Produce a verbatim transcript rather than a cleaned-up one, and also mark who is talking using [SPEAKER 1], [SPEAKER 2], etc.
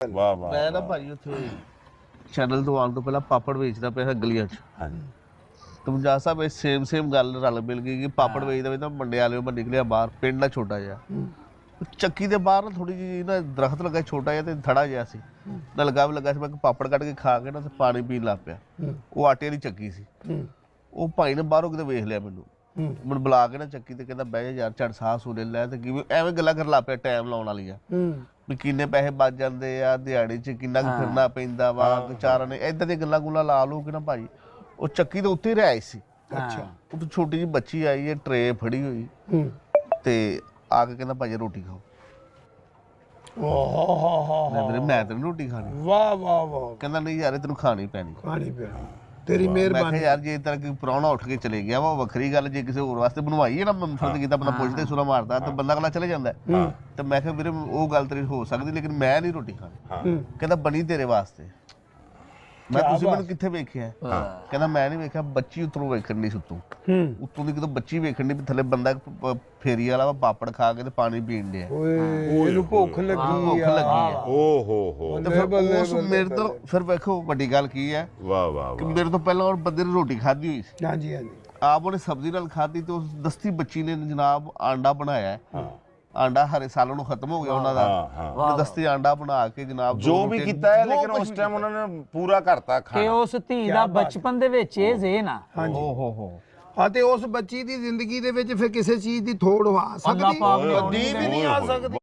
[SPEAKER 1] ਵਾਹ ਵਾਹ
[SPEAKER 2] ਮੈਂ ਨਾ ਭਾਜੀ ਉੱਥੇ ਚੈਨਲ ਤੋਂ ਆਉਣ ਤੋਂ ਪਹਿਲਾਂ ਪਾਪੜ ਵੇਚਦਾ ਪਿਆ ਗਲੀਆਂ 'ਚ।
[SPEAKER 1] ਹਾਂਜੀ
[SPEAKER 2] ਤੁਮ ਜਾ ਸਾਹਿਬ ਇਹ ਸੇਮ ਸੇਮ ਗੱਲ ਰਲ ਮਿਲ ਗਈ ਕਿ ਪਾਪੜ ਵੇਚਦਾ ਵੀ ਤਾਂ ਮੰਡੇ ਵਾਲੇ ਮੈਂ ਨਿਕਲਿਆ ਬਾਹਰ, ਪਿੰਡ ਦਾ ਛੋਟਾ ਜਿਹਾ ਚੱਕੀ ਦੇ ਬਾਹਰ ਨਾ ਥੋੜੀ ਜਿਹੀ ਨਾ ਦਰਖਤ ਲੱਗਾ ਛੋਟਾ ਜਿਹਾ ਤੇ ਥੜਾ ਜਿਹਾ ਸੀ ਨਾ ਲੱਗਾ ਵੀ ਲੱਗਾ ਸੀ। ਮੈਂ ਪਾਪੜ ਕੱਢ ਕੇ ਖਾ ਕੇ ਨਾ ਤੇ ਪਾਣੀ ਪੀਣ ਲੱਗ ਪਿਆ। ਉਹ ਆਟੇ ਵਾਲੀ ਚੱਕੀ ਸੀ। ਉਹ ਭਾਈ ਨੇ ਬਾਹਰੋਂ ਕਿਤੇ ਵੇਖ ਲਿਆ ਮੈਨੂੰ, ਮੈਨੂੰ ਬੁਲਾ ਕੇ ਨਾ ਚੱਕੀ ਤੇ ਕਹਿੰਦਾ ਬਹਿ ਜਾ ਯਾਰ ਝੜ ਸਾਹ ਸੂਲੇ ਲੈ ਤੇ ਕਿਵੇਂ ਐਵੇਂ ਗੱਲਾਂ ਕਰਨ ਲੱਗ ਪਿਆ ਟਾਈਮ ਲਾਉਣ ਵਾਲੀਆਂ ਵੀ ਕਿੰਨੇ ਪੈਸੇ ਬਚ ਜਾਂਦੇ ਆ ਦਿਹਾੜੀ 'ਚ, ਕਿੰਨਾ ਕੁ ਫਿਰਨਾ ਪੈਂਦਾ ਵਾ ਵਿਚਾਰਾਂ ਨੇ ਏਦਾਂ ਦੀਆਂ ਗੱਲਾਂ ਗੁੱਲਾਂ ਲਾ ਲਓ ਕਿ ਨਾ ਭਾਈ। ਉਹ ਚੱਕੀ ਦੇ ਉੱਤੇ ਰਹਿ ਆਈ ਸੀ।
[SPEAKER 3] ਅੱਛਾ
[SPEAKER 2] ਉਹ ਤੋਂ ਛੋਟੀ ਜਿਹੀ ਬੱਚੀ ਆਈ ਹੈ ਟਰੇ ਫੜੀ ਹੋਈ ਤੇ ਆ ਕੇ ਕਹਿੰਦਾ ਭਾਈ ਰੋਟੀ ਖਾਓ।
[SPEAKER 3] ਵਾਹ
[SPEAKER 2] ਮੈਂ ਵੀਰੇ ਮੈਂ ਤਾਂ ਨੀ ਰੋਟੀ ਖਾਣੀ।
[SPEAKER 3] ਵਾਹ ਵਾਹ ਵਾਹ
[SPEAKER 2] ਕਹਿੰਦਾ ਨਹੀਂ ਯਾਰ ਇਹ ਤੈਨੂੰ ਖਾਣੀ ਪੈਣੀ।
[SPEAKER 3] ਖਾਣੀ ਪੈਣੀ ਤੇਰੀ
[SPEAKER 2] ਮੈਂ
[SPEAKER 3] ਮਿਹਰਬਾਨੀ।
[SPEAKER 2] ਕਿਹਾ ਯਾਰ ਜੇ ਤਰ੍ਹਾਂ ਕੋਈ ਪ੍ਰਾਹੁਣਾ ਉੱਠ ਕੇ ਚਲੇ ਗਿਆ ਵਾ ਉਹ ਵੱਖਰੀ ਗੱਲ, ਜੇ ਕਿਸੇ ਹੋਰ ਵਾਸਤੇ ਬਣਵਾਈ ਹੈ ਨਾ ਫਰਜ਼ ਕੀਤਾ ਬੰਦਾ ਪੁੱਛਦੇ ਸੁਰਾ ਮਾਰਦਾ ਤਾਂ ਬੰਦਾ ਅਗਲਾ ਚਲੇ ਜਾਂਦਾ। ਤੇ ਮੈਂ ਕਿਹਾ ਵੀਰੇ ਉਹ ਗੱਲ ਤੇਰੀ ਹੋ ਸਕਦੀ ਲੇਕਿਨ ਮੈਂ ਨਹੀਂ ਰੋਟੀ ਖਾਣੀ। ਕਹਿੰਦਾ ਬਣੀ ਤੇਰੇ ਵਾਸਤੇ। ਮੈਂ ਤੁਸੀਂ ਮੈਨੂੰ ਕਿੱਥੇ ਵੇਖਿਆ? ਕਹਿੰਦਾ ਮੈਂ ਨਹੀਂ ਵੇਖਿਆ, ਬੱਚੀ ਉੱਤੋਂ ਵੇਖਣ ਨਹੀਂ ਸੁੱਤੂ ਉੱਤੋਂ ਦੀ ਕਿਤੋਂ ਬੱਚੀ ਵੇਖਣ ਨਹੀਂ, ਥੱਲੇ ਬੰਦਾ ਫੇਰੀ ਵਾਲਾ ਵਾ ਪਾਪੜ ਖਾ ਕੇ ਤੇ ਪਾਣੀ ਪੀਣ ਡਿਆ।
[SPEAKER 3] ਓਏ ਇਹਨੂੰ ਭੁੱਖ ਲੱਗੀ
[SPEAKER 2] ਭੁੱਖ ਲੱਗੀ ਆ।
[SPEAKER 1] ਓ ਹੋ ਹੋ
[SPEAKER 2] ਤੇ ਫਿਰ ਉਸ ਮੇਰੇ ਤੋਂ ਫਿਰ ਵੇਖੋ ਵੱਡੀ ਗੱਲ ਕੀ ਹੈ
[SPEAKER 1] ਵਾਹ ਵਾਹ
[SPEAKER 2] ਕਿ
[SPEAKER 1] ਵਾਹ
[SPEAKER 2] ਮੇਰੇ ਤੋਂ ਪਹਿਲਾਂ ਉਹ ਬੰਦੇ ਨੇ ਰੋਟੀ ਖਾਧੀ ਹੋਈ ਸੀ।
[SPEAKER 3] ਹਾਂਜੀ ਹਾਂਜੀ
[SPEAKER 2] ਆਪ ਉਹਨੇ ਸਬਜ਼ੀ ਨਾਲ ਖਾਧੀ ਤੇ ਉਸ ਦਸਤੀ ਬੱਚੀ ਨੇ ਜਨਾਬ ਆਂਡਾ ਬਣਾਇਆ। ਆਂਡਾ ਹਰੇ ਸਾਲਾਂ ਨੂੰ ਖਤਮ ਹੋ ਗਿਆ ਉਹਨਾਂ ਦਾ। ਉਹਨੇ ਦਸਤੀ ਆਂਡਾ ਬਣਾ ਕੇ ਜਨਾਬ
[SPEAKER 1] ਜੋ ਵੀ ਕੀਤਾ ਹੈ ਲੇਕਿਨ ਉਸ ਟਾਈਮ ਉਹਨਾਂ ਨੇ ਪੂਰਾ ਕਰਤਾ
[SPEAKER 4] ਕਿ
[SPEAKER 1] ਖਾਣਾ।
[SPEAKER 4] ਉਸ ਧੀ ਦਾ ਬਚਪਨ ਦੇ ਵਿੱਚ ਇਹ ਜ਼ੇਨ ਆ।
[SPEAKER 3] ਹਾਂਜੀ
[SPEAKER 2] ਓ ਹੋ ਹੋ
[SPEAKER 3] ਹਾਂ ਤੇ ਉਸ ਬੱਚੀ ਦੀ ਜ਼ਿੰਦਗੀ ਦੇ ਵਿੱਚ ਫਿਰ ਕਿਸੇ ਚੀਜ਼ ਦੀ ਥੋੜ ਆ
[SPEAKER 4] ਅੱਲਾ
[SPEAKER 3] ਸਕਦੀ
[SPEAKER 4] ਪਾਕ ਨੇ
[SPEAKER 1] ਕਦੀ ਵੀ ਨਹੀਂ ਆ ਸਕਦੀ।